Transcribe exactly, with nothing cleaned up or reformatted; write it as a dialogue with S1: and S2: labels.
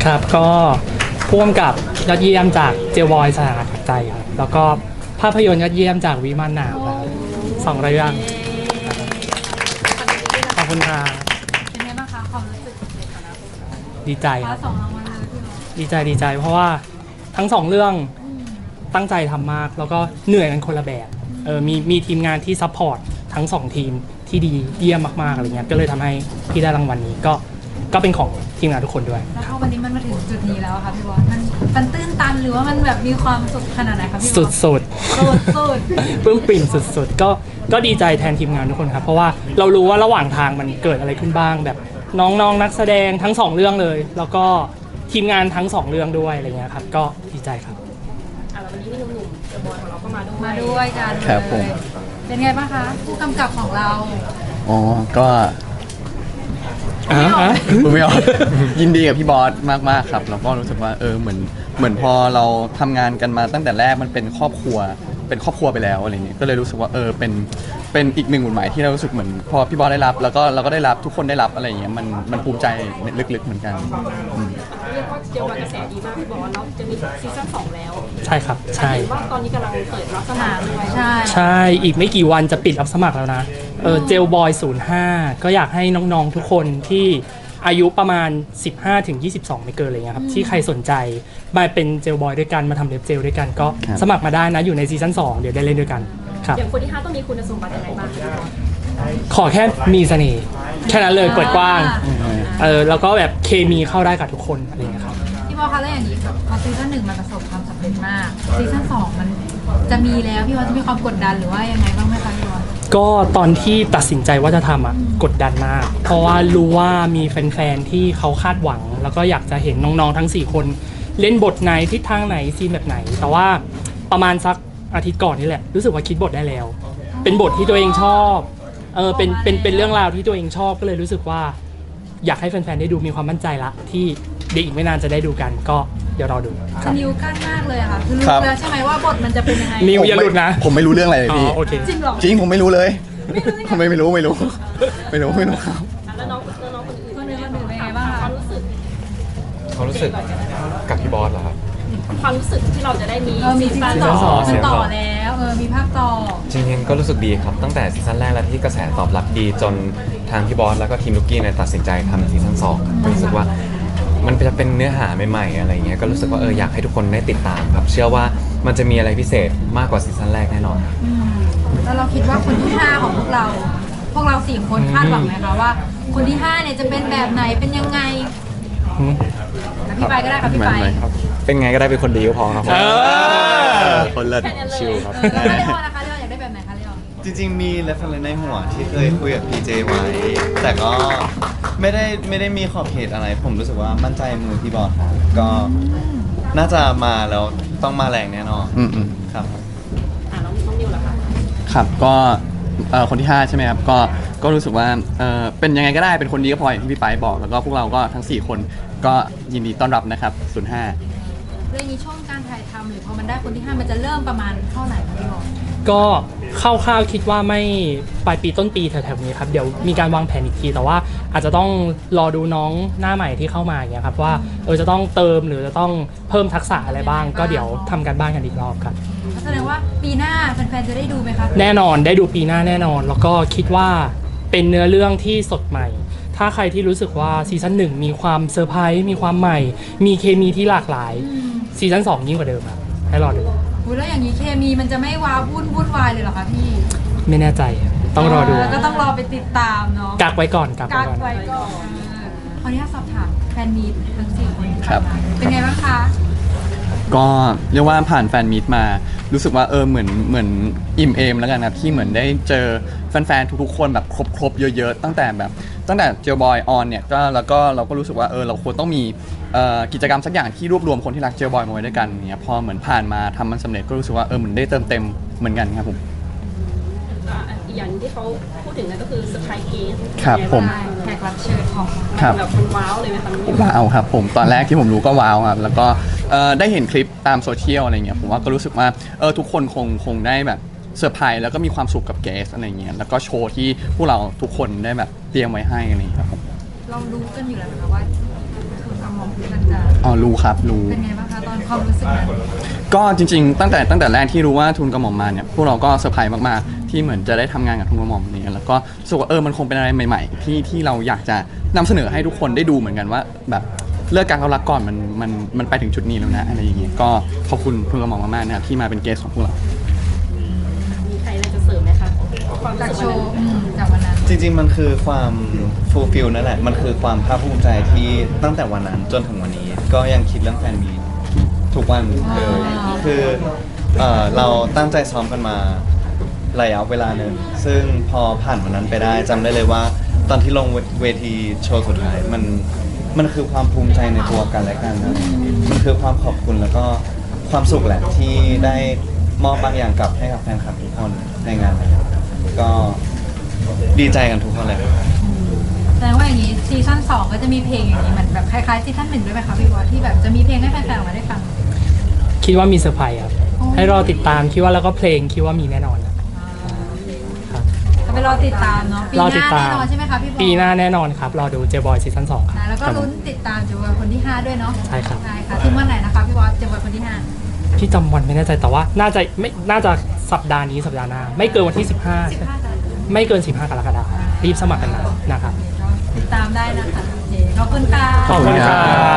S1: ครับก็พ่วงกับยอดเยี่ยมจากเจลบอยสถานะใจครับแล้วก็ภาพยนตร์ยอดเยี่ยมจากวิมานหนาวครับสองเรื่องขอบคุณครับ
S2: เป็นไงบ้างคะความรู้สึกในฐานะผู้
S1: ดีใจ
S2: ค
S1: ค
S2: ว้า
S1: รับ
S2: สองรางวัลเลยพี่น้อง
S1: ดีใจดีใจเพราะว่าทั้งสองเรื่องตั้งใจทำมากแล้วก็เหนื่อยกันคนละแบบเออมีมีทีมงานที่ซัพพอร์ตทั้งสองทีมที่ดีเยี่ยมมากๆอะไรเงี้ยก็เลยทำให้พี่ได้รางวัลนี้ก็ก็เป็นของทีมงานทุกคนด้วย
S2: แล้วพอวันนี้มันมาถึงจุดนี้แล้วอะค่ะพี่บอลมันมันตื้นตันหรือว่ามันแบบมีความสุขขนาดไหนคะพี่บอล
S1: สุดๆ
S2: สุดสุด
S1: ปลื้มปริ่มสุดๆ ก็ก็ดีใจแทนทีมงานทุกคนครับเพราะว่าเรารู้ว่าระหว่างทางมันเกิดอะไรขึ้นบ้างแบบน้องๆนักแสดงทั้งสองเรื่องเลย แล้วก็ทีมงานทั้งสองเรื่องด้วยอะไรเงี้ยครับก็ดีใจครับ
S3: อ่ะแล้ววันนี้มีหนุ่มๆเดอะบอยของเราก็มาด้วย
S2: มาด้วยกันเลย
S4: ครับผม
S2: เป็นไงบ้างคะผู้กำกับของเรา
S4: อ๋อก็
S1: อ่าฮะ
S4: พูดไม่ออก ยินดีกับพี่บอสมากๆครับแล้วก็รู้สึกว่าเออเหมือนเหมือนพอเราทำงานกันมาตั้งแต่แรกมันเป็นครอบครัวเป็นครอบครัวไปแล้วอะไรเงี้ยก็เลยรู้สึกว่าเออเป็นเป็นอีกหนึ่งหมุดหมายที่เรารู้สึกเหมือนพอพี่บอสได้รับ แล้วก็เราก็ได้รับทุกคนได้รับอะไรเงี้ยมันมันภูมิใจลึกๆเหมือนกันอืม
S3: เรียกว่าเจลวันกระแสดีมากพี่บอลแล้วจะมีซีซั่นสองแล้ว
S1: ใช่ครับใช่
S3: เห็นว่าตอนนี้กำลังเปิดรับสมัครด้วย
S2: ใช่
S1: ใช่อีกไม่กี่วันจะปิดรับสมัครแล้วนะเออเจลบอยศูนย์ห้าก็อยากให้น้องๆทุกคนที่อายุประมาณ สิบห้าถึงยี่สิบสอง ไม่เกินอะไรเงี้ยครับที่ใครสนใจมาเป็นเจลบอยด้วยกันมาทำเล็บเจลด้วยกันก็
S4: ครับ
S1: สมัครมาได้นะอยู่ในซีซั่นสองเดี๋ยวได้เล่นด้วยกันครับ
S3: อย่างคนที่ห้าต้องมีคุณสมบัติยังไงบ้างพี่บอล
S1: ขอแค่มีเสน่ห์แค่นั้นเลยเปิดกว้าง เออแล้วก็แบบเคมีเข้าได้กับทุกคนอะไรอย่างเงี้ยครับ
S2: พี่บอลคะแล้วอย่างนี้แบบพอซีซั่นหนึ่งมันประสบความสำเร็จมากซีซั่นสองมันจะมีแล้วพี่บอลจะมีความกดดันหรือว่ายังไงบ้างไหมคะพี่บอล
S1: ก็ตอนที่ตัดสินใจว่าจะทำอ่ะกดดันมาก เพราะว่ารู้ว่ามีแฟนๆที่เขาคาดหวัง แล้วก็อยากจะเห็นน้องๆทั้งสี่คน เล่นบทไหนทิศทางไหนซีนแบบไหน แต่ว่าประมาณสักอาทิตย์ก่อนนี่แหละรู้สึกว่าคิดบทได้แล้ว เป็นบทที่ตัวเองชอบเออเป็นเป็นเป็นเรื่องราวที่ตัวเองชอบก็เลยรู้สึกว่า อยากให้แฟนๆได้ดูมีความมั่นใจละที่เดี๋ยวอีกไม่นานจะได้ดูกันก็เดี๋ยวรอดูค
S2: คื
S1: รั
S2: อบ นิวกั้นมากเลยอะค่ะคือรู้
S4: ครับ
S2: แล้วใช่ไหมว่าบทมันจะเป็นยังไง
S1: นิวอย่าหลุดนะ
S4: ผมไม่รู้เรื่องอะไรเลย
S1: อ๋อ
S4: พี่
S1: โอเค
S2: จริงเหรอ
S4: จริงผมไม่รู้เลยผมไม่ไม่รู้ไม่รู้ ไม่รู้ไม่รู้ครับ
S3: อ่ะแล้วน้องแล้วน้องคนอื่น
S2: คนอื่นคนอื่นเป็นไงบ้าง
S3: ค
S2: คะ
S3: วามรู้สึก
S5: ความรู้สึกกับพี่บอสเหรอครับ
S3: ความรู้สึกที่เราจะได้มี
S2: เออมีซีซั่น
S1: ซีซั่น
S2: ส
S1: ส
S2: อ
S1: อง ง
S2: ซีซั่นต่อแล้วเออมีภาคต่อ
S5: จริงๆก็รู้สึกดีครับ ตั้งแต่ซีซั่นแรกแล้วที่กระแสตอบรับดีจนทางพี่บอสแล้วก็ทีมลูกกี้เนี่ยตัดสินใจทำซีซั่นสองก็รู้สึกว่ามันจะเป็นเนื้อหาใหม่ๆอะไรเงี้ยก็รู้สึกว่าเอออยากให้ทุกคนได้ติดตามครับ เชื่อว่ามันจะมีอะไรพิเศษมากกว่าซีซั่นแรกแน่นอน
S2: อืมแล้วเราคิดว่าคนที่ห้าของพวกเรา พวกเราสี่คนคาดหวังไหมคะว่า คนที่ห้าเนี่ยจะเป็นแบบไหนเป็นยังไง
S1: อืม
S2: แล้วพี่ไปก็ได้ค่ะพี่ไป
S4: ไม่ครับ
S5: เป็นไงก็ได้เป็นคนดีก็พอครับผม
S1: เออ
S4: คนเลิศชิลครับ
S2: เออแล้วเลออนนะคะเลออนอยากได้แบบไหนคะเลออน
S6: จริงๆ มีเรฟเฟรนในหัวที่เคยคุยกับพีเจไว้ แต่ก็ไม่ได้ไม่ได้มีขอบเขตอะไร ผมรู้สึกว่ามั่นใจมือพี่บอลครับก็น่าจะมาแล้วต้องมาแรงแน่นอน
S4: อืมอืม
S6: ครับ
S3: อ่ะน้องน้องนิวล่ะคะ
S4: ครับก็เอ่อคนที่ห้าใช่ไหมครับก็ก็รู้สึกว่าเอ่อเป็นยังไงก็ได้เป็นคนดีก็พออย่างที่พี่ไปบอก แล้วก็พวกเราก็ทั้งสี่คนก็ยินดีต้อนรับนะครับศูนย์ห้า
S2: เรื่องนี้ช่วงการถ่ายทำหรือพอมันได้คนที่ห้ามันจะเริ่มประมาณเท่าไหร่คะพี่บอล
S1: ก็คร่าวๆคิดว่าไม่ปลายปีต้นปีแถวๆนี้ครับเดี๋ยวมีการวางแผนอีกทีแต่ว่าอาจจะต้องรอดูน้องหน้าใหม่ที่เข้ามาอย่างเงี้ยครับว่าเออจะต้องเติมหรือจะต้องเพิ่มทักษะอะไรบ้าง ก็เดี๋ยวทำกันบ้านกันอีกรอบครับ
S2: แสดงว่าปีหน้าแฟนๆจะได้ดูไหมคะ
S1: แน่นอนได้ดูปีหน้าแน่นอน แล้วก็คิดว่าเป็นเนื้อเรื่องที่สดใหม่ ถ้าใครที่รู้สึกว่าซีซั่นหนึ่งมีความเซอร์ไพรส์มีความใหม่ มีเคมีที่หลากหลายซีซั่นสองยิ่งกว่าเดิมครับให้รอดู
S2: อุ๊ยแล้วอย่างนี้เคมีมันจะไม่ว้าวุ่นวุ่นวายเลยเหรอคะพี่
S1: ไม่แน่ใจต้องรอดู
S2: ก็ต้องรอไปติดตามเนาะ
S1: กักไว้ก่อนกักไว้
S2: กัก
S1: ก่อน
S2: ไว้ก่อนขออนุญาตสอบถามแฟนมีตทั้งสี่คนที่
S4: ครับ
S2: ผ่านมาเป็นไงบ้างคะ
S4: ก็เรียกว่าผ่านแฟนมีตมารู้สึกว่าเออเหมือนเหมือนอิ่มเอมแล้วกันครับที่เหมือนได้เจอแฟนๆทุกๆคนแบบครบๆเยอะๆตั้งแต่แบบตั้งแต่เจลบอยออนเนี่ยก็แล้วก็เราก็รู้สึกว่าเออเราควรต้องมีเอ่อกิจกรรมสักอย่างที่รวบรวมคนที่รักเจลบอยมาไว้ด้วยกันเนี่ยพอเหมือนผ่านมาทำมันสำเร็จก็รู้สึกว่าเออเหมือนได้เติมเต็มเหมือนกันครับผม
S3: อ่ะอีกอย่างที่เขาพูดถึงนั่นก็คือเซอร์ไพรส์เกส
S4: ครับผม
S2: แขกรับเชิญของ
S4: ครับ
S3: แบบมันว้าวเลยไหมคะน้องนิว
S4: ว้าวครับผมตอนแรกที่ผมรู้ก็ว้าวครับแล้วก็เอ่อได้เห็นคลิปตามโซเชียลอะไรเงี้ยผมว่าก็รู้สึกว่าเออทุกคนคงคงได้แบบเซอร์ไพรส์แล้วก็มีความสุขกับเกสอะไรเงี้ยแล้วก็โชว์ที่พวกเราทุกคนได้แบบเตรียมไว้ให้อะไรเงี้ยครับผม
S2: เรารู้กันอยู่แล้วนะคะว่าคือคำมองมันจะ
S4: อ๋อรู้ครับรู้
S2: เป็นไงบ้างคะตอนความรู้สึกนั้น
S4: ก็จริงๆ ตั้งแต่ตั้งแต่แรกที่รู้ว่าทุนกระหม่อมมาเนี่ยพวกเราก็เซอร์ไพรส์มากๆที่เหมือนจะได้ทำงานกับทุนกระหม่อมเนี่ยแล้วก็รู้สึกว่าเออมันคงเป็นอะไรใหม่ๆที่ที่เราอยากจะนำเสนอให้ทุกคนได้ดูเหมือนกันว่าแบบเลิกการเขารักก่อนมันมันมันไปถึงจุดนี้แล้วนะอะไรอย่างเงี้ยก็ขอบคุณทุนกระหม่อมมากๆนะครับที่มาเป็นเกสของพวกเรา
S3: มีใครอะไรจะเสริมไหมคะความ
S2: จาก
S3: รู้
S2: โช
S3: สึก
S2: ว์
S3: วันนั้น
S2: อืมจากวันนั้น
S6: จริงๆ มันคือความฟูลฟิลนั่นแหละ มันคือความภาคภูมิใจที่ตั้งแต่วันนั้นจนถึงวันนี้ ก็ยังคิดเรื่องแฟนมีตทุกวันเลย
S2: อ๋อ
S6: คือเอ่อเราตั้งใจซ้อมกันมาระยะเวลาหนึ่งซึ่งพอผ่านวันนั้นไปได้จำได้เลยว่าตอนที่ลงเวทีโชว์สุดท้ายมันมันคือความภูมิใจในตัวกันและกันนะมันคือความขอบคุณแล้วก็ความสุขแหละที่ได้มอบบางอย่างกลับให้กับแฟนคลับทุกคนในงานนี้ก็ดีใจกันทุกคนเลย
S2: แสดงว่าอย่างนี้ซีซั่นสองก็จะมีเพลงอย่างนี้เหมือนแบบคล้ายๆซีซั่นหนึ่งด้วยไหมคะพี่วอที่แบบจะมีเพลงให้แฟนๆออกมาได้ฟัง
S1: คิดว่ามีเซอร์ไพรส์ครับ
S2: อ๋อ
S1: ให้รอติดตามคิดว่าแล้วก็เพลงคิดว่ามีแน่นอนครับ
S2: ก็ไปรอติดตามเนาะปีห
S1: รอ
S2: น้า
S1: ติดตาม
S2: แน่นอนใช่ไหมคะพี่บอล
S1: ปีหน้าแน่นอนครับรอดูเจบอยซีซั่นสองครับ
S2: นะแล้วก็
S1: ครับ
S2: ลุ้นติดตามจูเวอร์คนที่ห้าด้วยเนาะ
S1: ใช่ครับ
S2: ใช่ค่ะถึงวันไหนนะคะพี่บอลจูเวอร์คนที่ห้า
S1: พี่จำวันไม่แน่ใจแต่ว่าน่าจะไม่น่าจะสัปดาห์นี้สัปดาห์หน้าไม่เกินวันที่สิบห้า
S2: สิบห้ากัน
S1: ไม่เกินสิบห้ากรกฎาคมรีบสมัครกันนะนะครับ
S2: ติดตามได้นะคะโอเคขอบคุณค่ะ
S1: ขอบคุณครับ